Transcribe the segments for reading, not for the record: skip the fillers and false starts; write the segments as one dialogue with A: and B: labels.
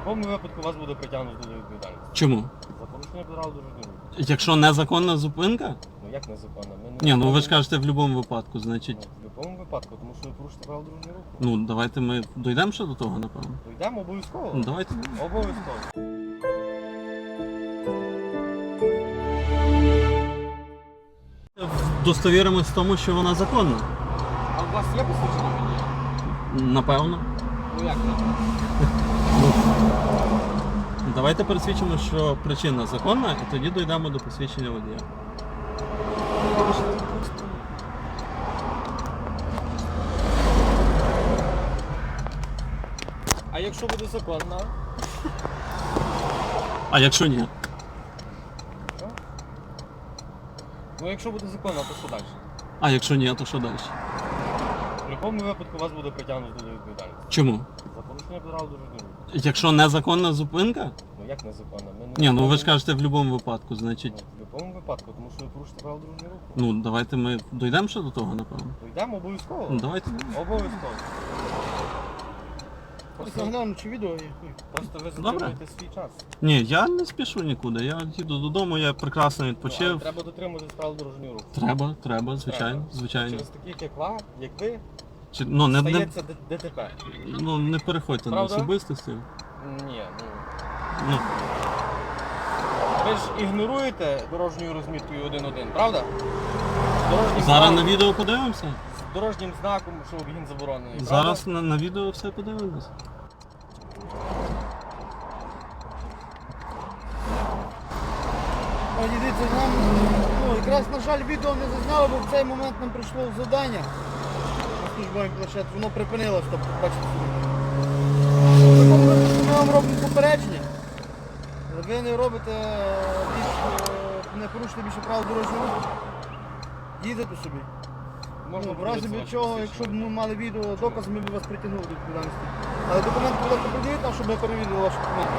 A: будь-якому випадку вас буде притягнуто до відповідальності.
B: Чому?
A: За порушення правил дорожнього руху.
B: Якщо незаконна зупинка?
A: Ну як незаконно? Ми
B: Ні, ну ви ж
A: виходимо-
B: кажете в будь-якому випадку, значить.
A: Ну, в будь-якому випадку, тому що ви порушите правила дорожнього руху.
B: Ну, давайте ми дійдемо ще до того, напевно.
A: То йдемо обов'язково.
B: Ну, давайте.
A: Обов'язково.
B: Достовіримось в тому, що вона законна.
A: А у вас є посвідчення водія?
B: Напевно.
A: Ну як не?
B: Давайте пересвідчимо, що причина законна, і тоді дійдемо до посвідчення водія.
A: А якщо буде законно?
B: А якщо ні?
A: Ну якщо буде законно, то що далі?
B: А якщо ні, то що далі?
A: В будь-якому випадку вас буде притягнуто до відповідальності.
B: Чому?
A: За порушення правил дорожнього руху.
B: Якщо незаконна зупинка?
A: Ну як незаконно? Ми
B: Ні, ну ви ж
A: виходимо-
B: кажете в будь-якому випадку,
A: Ну,
B: значить.
A: в будь-якому випадку, тому що ви порушите правила дорожнього руху.
B: Ну, давайте ми дійдемо ще до того, напевно.
A: То йдемо обов'язково.
B: Ну, давайте.
A: Обов'язково.
C: Сигнал чи відео є?
A: Просто ви
B: Добре.
A: затримуєте свій час.
B: Ні, я не спішу нікуди. Я їду додому, я прекрасно
A: Але
B: відпочив.
A: треба дотримуватись правил дорожнього руху.
B: Треба, звичайно,
A: Треба.
B: звичайно.
A: Через таких, як ви,
B: Ну, не
A: стається ДТП.
B: переходьте на
A: Правда?
B: особистості.
A: Ні, ну.
B: Ну,
A: Ви ж ігноруєте дорожньою розміткою 1.1, правда? Дорожнім
B: зараз
A: знаком-
B: на відео подивимося.
A: з дорожнім знаком, що обгін заборонений.
B: Зараз на відео все подивимось.
C: О, дивіться, нам якраз, на жаль, відео не зазняло, бо в цей момент нам прийшло завдання на службовий планшет, воно припинилось, тобто, бачите. Ми вам робимо попередження. Ви не робите не порушуєте більше правил дорожнього руху. Їдете собі.
A: Можна
C: В разі
A: подивитися
C: від
A: ваші
C: чого,
A: посвідчення.
C: якщо б ми мали відео докази, ми б вас притягнули до відповідальності. Але документи, будь ласка, придивіть нам, щоб ми перевірили ваші документи.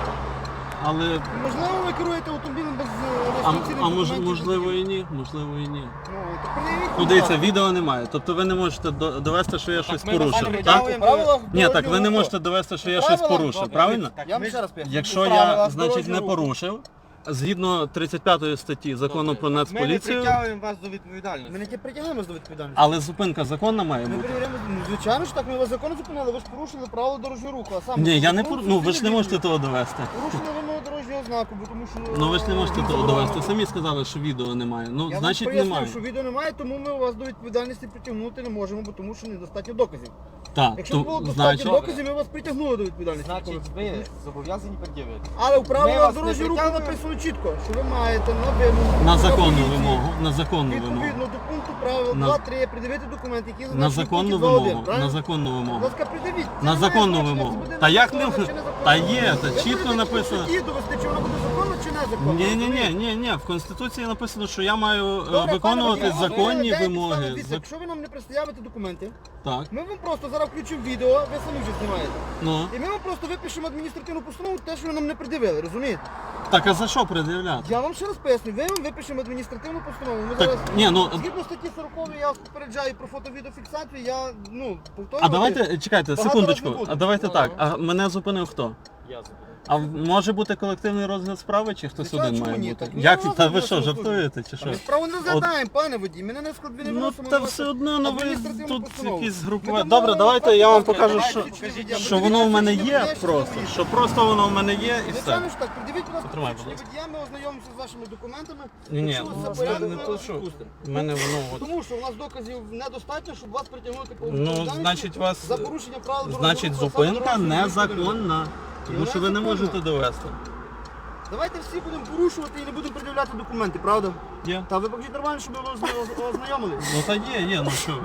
B: Але.
C: Можливо, ви керуєте автомобілем без реєстраційних документів?
B: Можливо і ні, можливо і ні.
C: Ну, то пред'явіть,
B: Ну
C: будь
B: дивіться,
C: ласка.
B: відео немає. Тобто ви не можете довести, що я щось
A: ми вас
B: порушив.
A: не
B: Так?
A: притягуємо.
C: По правилах
B: Ні, так ви
C: дорожнього
B: не
C: руху.
B: можете довести, що я
C: По
B: щось
C: правилах,
B: порушив,
A: добре,
B: правильно?
A: так,
C: Я
A: ми
C: вам
A: ж-
C: ще раз поясню.
B: Якщо
C: По
B: я,
C: правилах
B: значить, не
C: дорожнього руху.
B: порушив, згідно 35 статті закону про
A: Ми не
B: нацполіцію,
A: притягуємо вас до відповідальності.
C: Ми не ті притягнемо до відповідальності.
B: але зупинка законна має
C: Ми
B: бути.
C: перевіряємо, ну, звичайно ж так, ми вас законно зупинили, ви ж порушили правила дорожнього руху, а саме...
B: Ні, я не
C: порушили
B: ну ви ж не
C: відео.
B: можете того довести.
C: Порушили вимогу дорожнього знаку, бо тому що...
B: Ну ви ж не можете
C: він
B: того
C: заборонений.
B: довести. Самі сказали, що відео немає. Ну,
C: Я
B: значить
C: вам пояснив,
B: немає.
C: що відео немає, тому ми вас до відповідальності притягнути не можемо, бо тому що недостатньо доказів.
B: Так,
C: Якщо б було
B: то
C: достатньо
B: значить.
C: доказів, ми вас притягнули до відповідальності.
A: Значить, ви зобов'язані пред'явити.
C: Але в
A: Ми
C: правилах
A: вас не
C: дорожнього руху
A: притягуємо.
C: написано чітко, що ви маєте на вимогу
B: На законну
C: поліції,
B: вимогу, на законну вимогу.
C: відповідно до пункту правил
B: На-
C: 2-3 придивити документи, які
B: На
C: зазначені в
B: законну
C: пункті 2.1,
B: вимогу, на
C: правильно?
B: законну
C: Будь
B: вимогу.
C: ласка, придивіть. Це
B: На
C: не
B: законну
C: має значення,
B: вимогу.
C: це буде
B: Та як не
C: незаконно
B: в-
C: чи незаконно.
B: Та є, та
C: Ви
B: чітко
C: будете
B: написано.
C: в суді довести, чи воно буде законно чи незаконно.
B: Ні, в Конституції написано, що я маю
C: Добре,
B: виконувати
C: пане водій,
B: законні
C: ви
B: вимоги.
C: дивіться, якщо ви нам не представите документи,
B: Так,
C: ми вам просто зараз включимо відео, ви самі вже знімаєте.
B: ну.
C: І ми вам просто випишемо адміністративну постанову, те, що ви нам не пред'явили, розумієте?
B: Так, а за що пред'являти?
C: Я вам ще раз поясню, ви вам випишемо адміністративну постанову. Ми
B: Так,
C: зараз,
B: ні, ну.
C: згідно статті 40 я вас попереджаю про фото-відеофіксацію, я, повторювати.
B: А давайте, чекайте,
C: Багато
B: секундочку.
C: раз не буду.
B: А давайте так. А мене зупинив хто?
A: Я забуду.
B: А може бути колективний розгляд справи, чи хтось
C: Звичайно,
B: один
C: чому
B: має
C: ні?
B: бути?
C: Так, ну,
B: Як
C: я
B: та ви
C: розгляд
B: що,
C: служби.
B: жартуєте чи що?
C: Ми справу не розглядаємо, пане водій, мене не складно не
B: Ну
C: виносимо.
B: та
C: на
B: все
C: вас
B: одно, ну ви
C: адміністративну
B: тут
C: постанову.
B: якісь
C: Ми
B: групування.
C: дамо
B: Добре,
C: вам
B: давайте я вам
C: факти,
B: покажу,
C: давайте,
B: що,
C: давайте,
B: що воно в мене є
C: давайте,
B: просто.
C: давайте.
B: Що просто воно в мене є і все.
C: Звичайно ж так, придивіть, будь ласка,
B: Потримай, будь
C: посвідчення водія, ми ознайомимося з вашими документами.
B: Ні,
C: Якщо
B: ну,
C: це
B: це
C: порядок,
B: не
C: ми
B: то,
C: вас
B: що
C: відпустимо.
B: в мене воно от.
C: Тому що у нас доказів недостатньо, щоб вас притягнути по
B: Ну,
C: відповідальності
B: значить, вас
C: за порушення правил дорожнього
B: значить
C: руху, а саме
B: зупинка
C: дорожнього руху.
B: незаконна. Тому що ви не можете довести.
C: Давайте всі будемо порушувати і не будемо пред'являти документи, правда?
B: Є.
C: Та ви покажіть нормально, щоб ви ознайомились.
B: Ну та є, ну що. ви.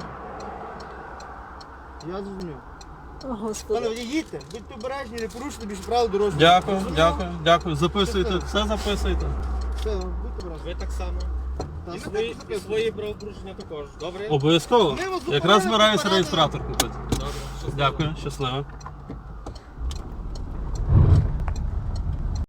C: Я зрозумів.
D: О,
C: Пане
D: Господи.
C: водій, їдьте, будьте обережні, не порушуйте більше правил дорожнього руху.
B: Дякую,
C: Зрозуміло?
B: дякую. Записуйте, все записуйте.
C: Все, будьте обережні.
A: Ви так само.
C: Та,
A: І
C: ми
A: свої,
C: так
A: і
C: записуємо.
A: свої правопорушення також. Добре?
B: Обов'язково.
C: Ми вас
B: Якраз
C: зупинили,
B: збираюся
C: попередили.
B: реєстратор купити.
A: Добре. Щасливо.
B: Дякую, щасливо.